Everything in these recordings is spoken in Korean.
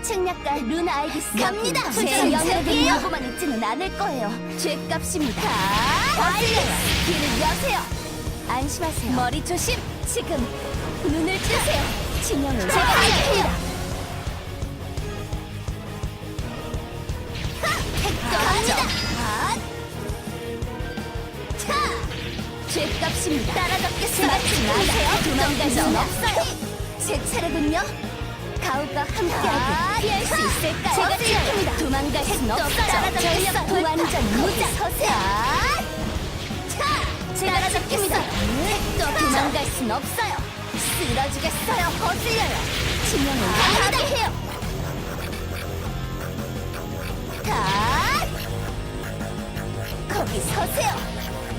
책략가 루나 알기스 갑니다. 제 도전 영역을 차례군요. 보고만 있지는 않을 거예요. 죄값입니다. 거슬려요. 길을 여세요. 안심하세요. 머리 조심. 지금 눈을 뜨세요. 진영을 제가 할게요. 갑니다. 죄값입니다. 따라잡겠습니다. 마세요. 도망갈 순 없어요. 제 차례군요. 가오가 함께하길 피할 수 있을까요? 제가 지킵니다. 도망갈 순 없어요. 따라잡겠어요. 완전 무작. 서세요. 따라잡겠습니다. 도망갈 순 없어요. 쓰러지겠어요. 거슬려요. 진영을 강하게 해요. 다 거기 서세요.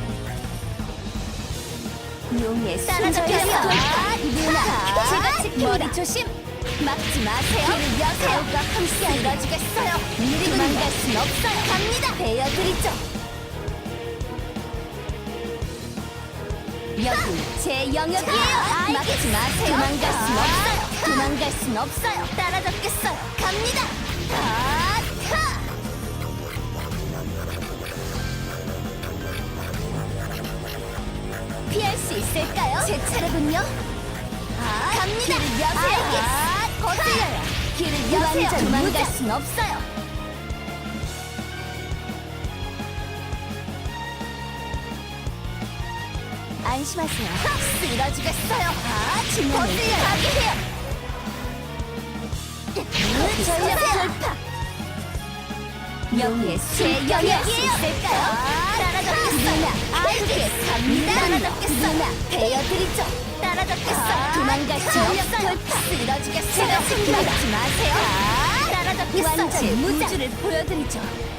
용의 따라잡겠어. 누나, 제가 지킵니다. 머리 조심. 막지 마세요. 길을 여세요. 가오가 함께 쓰러지겠어요. 도망갈 순 없어요. 갑니다. 베어드리죠. 여기 제 영역이에요. 막지 마세요. 도망갈 순 없어요. 도망갈 순 없어요. 따라잡겠어요. 갑니다. 피할 수 있을까요? 제 차례군요. 갑니다. 길을 여세요. 거슬려요. 길을 여세요. 도망갈 순 없어요. 안심하세요. 쓰러지겠어요. 진영을 가게 해요. 전력 돌파. 여기에 제 영역이에요. 따라잡겠어요. 알겠 갑니다. 따라잡겠어요. 베어드리죠. 따라잡겠어요. 도망갈 수 없어요. 쓰러지겠어요. 제가 막지 마세요. 따라잡겠어요. 완전 우주를 보여드리죠.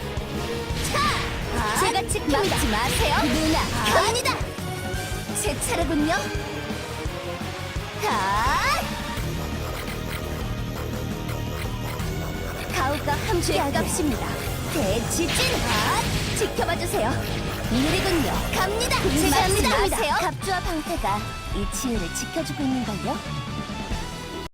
제가 막지 마세요. 누나, 갑니다. 제 차례군요. 가오가 함께하갑습니다. 대지진 지켜봐주세요. 일이군요. 갑니다. 제가 막지 마세요. 갑주와 방패가 이 치유를 지켜주고 있는걸요.